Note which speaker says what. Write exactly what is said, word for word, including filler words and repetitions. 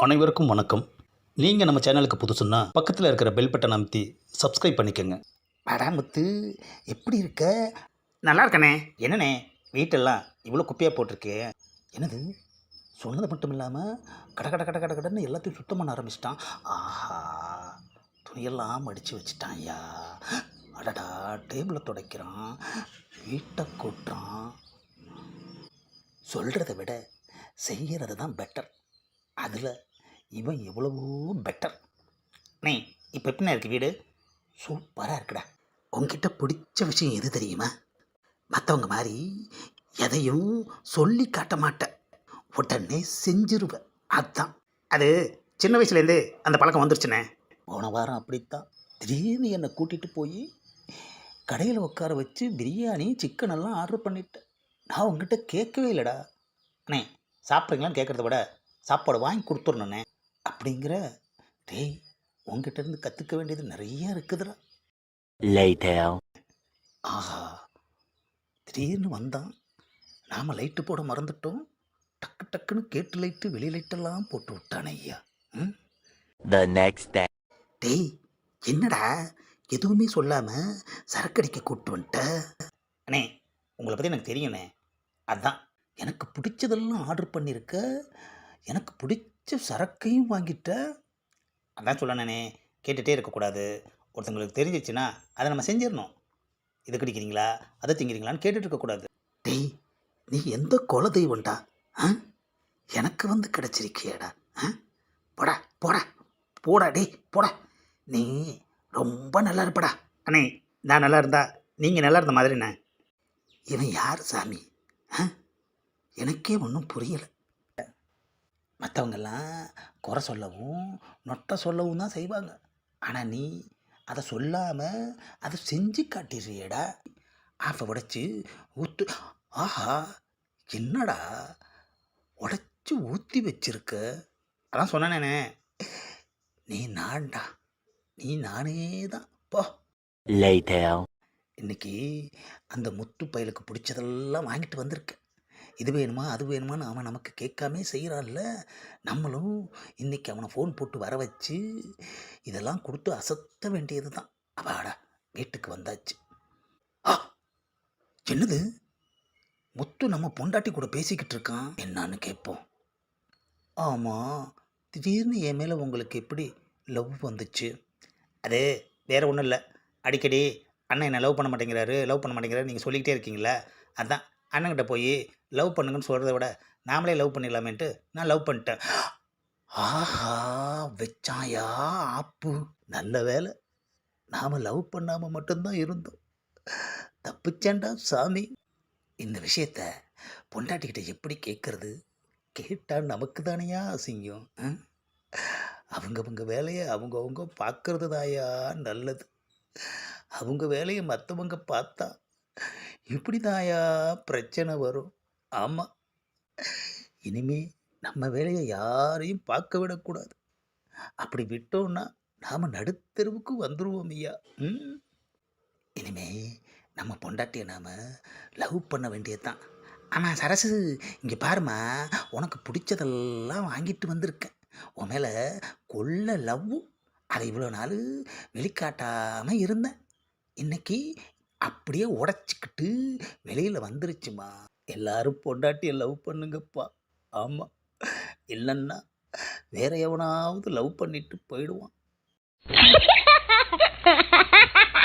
Speaker 1: அனைவருக்கும் வணக்கம். நீங்கள் நம்ம சேனலுக்கு புதுசுன்னா பக்கத்தில் இருக்கிற பெல் பட்டன் அமைத்தி சப்ஸ்கிரைப் பண்ணிக்கோங்க.
Speaker 2: படாமுத்து, எப்படி இருக்க? நல்லா இருக்கண்ணே. என்னண்ணே வீட்டெல்லாம் இவ்வளோ குப்பையாக போட்டிருக்கு? என்னது, சொன்னது மட்டும் இல்லாமல் கட கட கட கட கடன்னு எல்லாத்தையும் சுத்தம் பண்ண ஆரம்பிச்சிட்டான். ஆஹா, துணியெல்லாம் மடித்து வச்சுட்டான் ஐயா. அடடா, டேபிளை துடைக்கிறான், வீட்டை கூட்டுறான். சொல்கிறத விட செய்கிறது தான் பெட்டர். அதில் இவன் எவ்வளவோ பெட்டர். அண்ணே, இப்போ எப்படிண்ணே இருக்குது வீடு? சூப்பராக இருக்குடா. உங்ககிட்ட பிடிச்ச விஷயம் எது தெரியுமா? மற்றவங்க மாதிரி எதையும் சொல்லி காட்ட மாட்டேன், உடனே செஞ்சிருவேன். அதுதான். அது சின்ன வயசுலேருந்து அந்த பழக்கம் வந்துருச்சுண்ணே. போன வாரம் அப்படித்தான் திடீர்னு என்னை கூட்டிகிட்டு போய் கடையில் உட்கார வச்சு பிரியாணி சிக்கன் எல்லாம் ஆர்டர் பண்ணிட்டேன். நான் உங்ககிட்ட கேட்கவே இல்லைடா. அண்ணே, சாப்பிட்றீங்களான்னு கேட்குறத விட சாப்பாடு வாங்கி கொடுத்துடணுண்ணே அப்படிங்கிற. டேய், உங்ககிட்ட இருந்து கற்றுக்க வேண்டியது நிறைய இருக்குதுடா.
Speaker 3: Later.
Speaker 2: ஆஹா, திடீர்னு வந்தான், நாம் லைட்டு போட மறந்துட்டோம். டக்கு டக்குன்னு கேட்டு லைட்டு வெளி லைட்டெல்லாம் போட்டு விட்டானே ஐயா. ம்
Speaker 3: The next day.
Speaker 2: டேய், என்னடா எதுவுமே சொல்லாமல் சரக்கடிக்க கூப்பிட்டு வந்துட்ட? அண்ணே, உங்களை பற்றி எனக்கு தெரியுண்ணே. அதான் எனக்கு பிடிச்சதெல்லாம் ஆர்டர் பண்ணியிருக்க, எனக்கு பிடிச்ச சரக்கையும் வாங்கிட்ட. அதான் சொல்லணே, கேட்டுகிட்டே இருக்கக்கூடாது. ஒருத்தங்களுக்கு தெரிஞ்சிச்சுன்னா அதை நம்ம செஞ்சிடணும். இது கிடைக்கிறீங்களா அதை திங்கிறீங்களான்னு கேட்டுட்டு இருக்கக்கூடாது. டேய், நீ எந்த குல தெய்வம்டா? ஆ, எனக்கு வந்து கிடச்சிருக்கியடா. ஆ, போடா போடா போடா, டேய் போடா. நீ ரொம்ப நல்லா இருப்படா. அண்ணே, நான் நல்லா இருந்தா நீங்கள் நல்லா இருந்த மாதிரிண்ணே. இவன் யார் சாமி? ஆ, எனக்கே ஒன்றும் புரியலை. மற்றவங்கெல்லாம் குறை சொல்லவும் நொட்டை சொல்லவும் தான் செய்வாங்க. ஆனால் நீ அதை சொல்லாமல் அதை செஞ்சு காட்டிடுறியடா. ஆஃபை உடைச்சி ஊற்று. ஆஹா, என்னடா உடைச்சி ஊற்றி வச்சிருக்க? அதான் சொன்னானே, நீ நான்டா, நீ நானே தான். போ.
Speaker 3: Later.
Speaker 2: இன்னைக்கு அந்த முத்து பயலுக்கு பிடிச்சதெல்லாம் வாங்கிட்டு வந்திருக்கேன். இது வேணுமா அது வேணுமான்னு அவன் நமக்கு கேட்காமே செய்கிறான்ல. நம்மளும் இன்றைக்கி அவனை ஃபோன் போட்டு வர வச்சு இதெல்லாம் கொடுத்து அசத்த வேண்டியது தான். அப்பாடா, வீட்டுக்கு வந்தாச்சு. ஆ, என்னது, முத்து நம்ம பொண்டாட்டி கூட பேசிக்கிட்டு இருக்கான். என்னான்னு கேட்போம். ஆமாம், திடீர்னு என் மேலே உங்களுக்கு எப்படி லவ் வந்துச்சு? அது வேறு ஒன்றும் இல்லை. அடிக்கடி அண்ணன் என்னை லவ் பண்ண மாட்டேங்கிறாரு லவ் பண்ண மாட்டேங்கிறாரு நீங்கள் சொல்லிக்கிட்டே இருக்கீங்களே, அதான் அண்ணன்கிட்ட போய் லவ் பண்ணுங்கன்னு சொல்கிறத விட நாமளே லவ் பண்ணிடலாமேன்ட்டு நான் லவ் பண்ணிட்டேன். ஆஹா, வச்சாயா ஆப்பு. நல்ல வேலை நாம் லவ் பண்ணாமல் மட்டும்தான் இருந்தோம். தப்பிச்சேன்டா சாமி. இந்த விஷயத்த பொண்டாட்டிக்கிட்ட எப்படி கேட்குறது? கேட்டால் நமக்கு தானையா அசிங்கம். ஆ? அவங்கவங்க வேலையை அவங்கவுங்க பார்க்கறது தாயா நல்லது. அவங்க வேலையை மற்றவங்க பார்த்தா இப்படி தாயா பிரச்சனை வரும். ஆமாம், இனிமே நம்ம வேலையை யாரையும் பார்க்க விடக்கூடாது. அப்படி விட்டோம்னா நாம் நடுத்தெருவுக்கு வந்துடுவோம் ஐயா. ம் இனிமே நம்ம பொண்டாட்டியை நாம் லவ் பண்ண வேண்டியதுதான். ஆமாம் சரசு, இங்கே பாருமா, உனக்கு பிடிச்சதெல்லாம் வாங்கிட்டு வந்திருக்கேன். உன் மேலே கொள்ள லவ். அதை இவ்வளோ நாள் வெளிக்காட்டாமல் இருந்தேன். இன்னைக்கு அப்படியே உடச்சிக்கிட்டு வெளியில் வந்துருச்சுமா. எல்லாரும் பொண்டாட்டியை லவ் பண்ணுங்கப்பா. ஆமாம், இல்லைன்னா வேற எவனாவது லவ் பண்ணிட்டு போயிடுவான்.